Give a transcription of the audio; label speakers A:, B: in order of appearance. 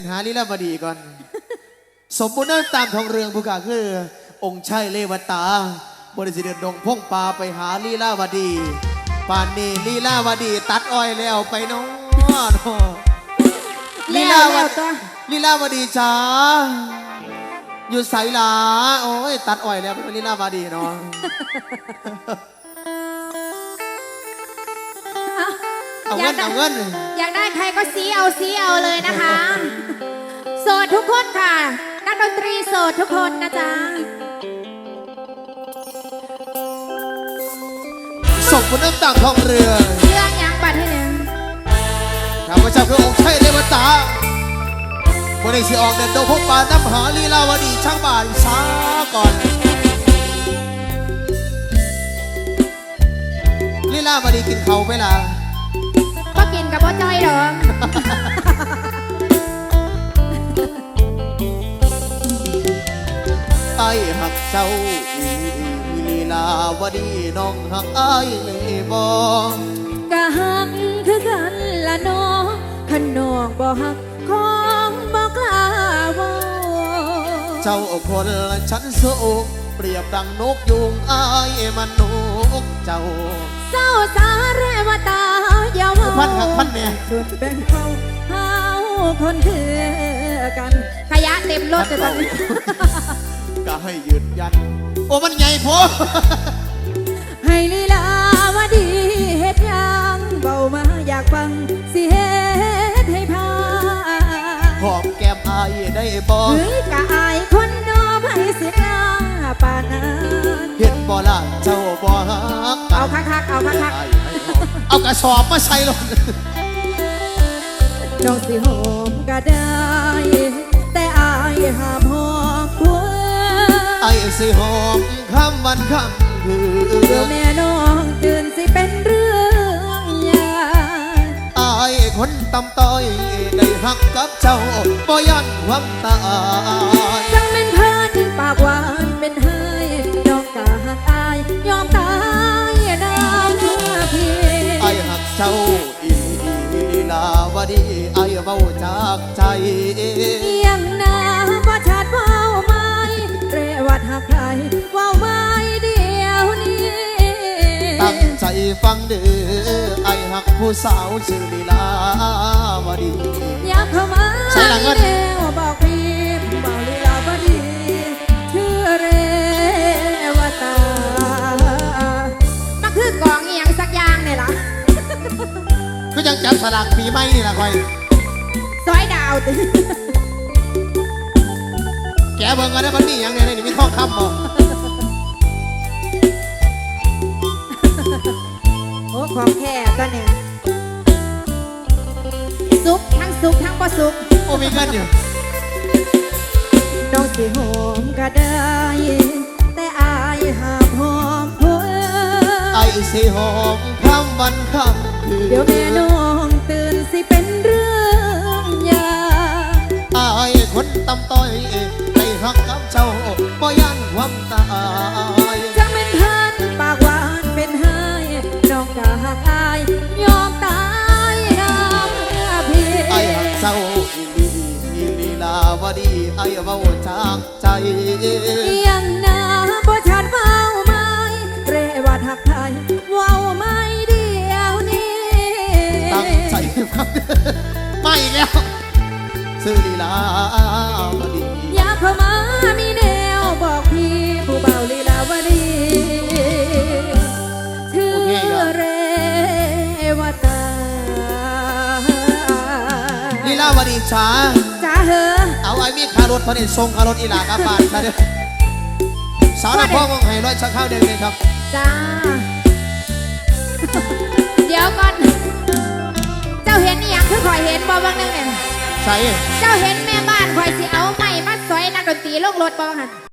A: หาลีลาวดีก่อนสมบูรณ์น้ำตามทองเรืองผู้กาคือองค์ชัยเลวตาบริสิเดดงพงปาไปหาลีลาวดีป่านนี้ลีลาวดีตัดอ้อยแล้วไปน้องลีลาวดีจ้าอยู่ใสหลาโอ้ยตัดอ้อยแล้วเป็นลีลาวดีเนาะเอาเงิน
B: อยากได้ใครก็ซีเอาเลยนะคะโสดทุกคนค่ะนักดนตรีโสดทุกคนนะจ๊ะ
A: ส่งคุณน้ำตาทองเรือ
B: เรื่องยังบัดให้หนึ่ง
A: ข้าพเจ้าคือองค์ชัยเทวตาบริสิออกเดินโดพบป่าน้ำหาลีลาวดีช่างบ่ายช้าก่อนลีลาวดีกินเขาไปล่ะ
B: ก็กินกับพ่อจ้อยหรอ
A: ไอ้หักเจ้าลีลาวดีน้องหักไอ้บ่
B: กะหักคือกันละน้องขันน้องบ่หักของบ่กล้าว่า
A: เจ้าคนฉันสุกเปรียบดังนกยุงไอ้มันนกเจ้า
B: เศร้าสาเรวตาอย่าว่า
A: พันหักพันเนี่ย
B: ส่วนเป็นเขาคนคือกันขยะเต็มรถแต่ตอนนี้
A: ก็ให้ยืนยันโอ้มันใหญ่พอ
B: ให้ลีลาวดีเฮ็ดยังเบามาอยากฟังสิเฮ็ดให้พา
A: หอมแก้มอายได้บ่
B: เฮ้ยกะอายคนนอให้เสียลาป่านนั้น
A: เห็นบ่ล่ะเจ้าบ่ฮัก
B: เอาคัก
A: เอากระสอบมาใส่ลง
B: น้องสิหอมก็ได้แต่อายห้ามหอมผัว
A: ไอ้สิหอมคำวันคำคืน
B: เดี๋ยวแม่น้องตื่นสิเป็นเรื่องใหญ่
A: ไอ้คนตำต้อยได้หักกับเจ้าบ่ยันความตาย
B: จังเป็นเพิ่นปากหวานเป็นเฮยน้องกะหักอายยอมตายน้ำพี่
A: ไอ้หักเจ้าอีลาวดีไอ้เว้าจากใจ
B: ยังนาบ่ชัดเว้าไม่เรวัดหักใครเว้าไม่เดียวนี้
A: ตั้งใจฟังเด้อไอ้หักผู้สาวชื่อลีลาวดี
B: อยากเข้ามาใช่แล้วบอกพี่บอกลีลาวดีชื่อเรวตามาคือกองอีหยังสักอย่างเนี่ยล่ะ
A: ก็ยังจับสลากปีใหม่นี่ล่ะคอย
B: ซอยดาวติ
A: แกเบิ่งกันได้มันมีอย่างเนี่ยนี่มีทองคำบ่
B: โอ้ของแค่ก็เนี่ยซุปทั้งซุปทั้งบ่ซุป
A: โอ้มีเงินอยู่
B: น้องสิหอมก็ได้แต่อายห้ามหอมผัว
A: ไอ้สิหอมคำวันคำคืน
B: เดี๋ยวแม่น้องตื่นสิเป็นเรื่องใหญ่
A: ไอ้คนตำต้อยได้หักกับเจ้าบ่ยันความตาย
B: จังเป็นเพิ่นปากหวานเป็นเฮยน้องกะหักอายยอมตายน้ำพี่
A: ไอ้หักเจ้าอีลีลาวดีไอ้เว้าจากใจ
B: ยังนาบ่ชัดเว้าไม่เรวัดหักไทยเว้าไม่เดียวนี้
A: ตั้งใจฟังไม่อีกแล้วซื้อลีลาวดี
B: อยากเข้ามามีแนวบอกพี่ผู้เบาลีลาวดีชื่อเรวตา
A: ลีลาวดีช้า
B: เหอะ
A: เอาไอ้มีคารถพระเนตรทรงคารถอีหลากาบานซะเด้อสาวนักพ่อมองให้ร้อยชักข้าวเดินเลยครับ
B: จ้าเดี๋ยวก่อนเจ้าเห็นนี่ยังคือคอยเห็นบ่บางนึงเนี่ย
A: ใช่
B: เจ้าเห็นแม่บ้านคอยสิเอาไม้มาซอยนักดนตรีลงรถบ่บางหัน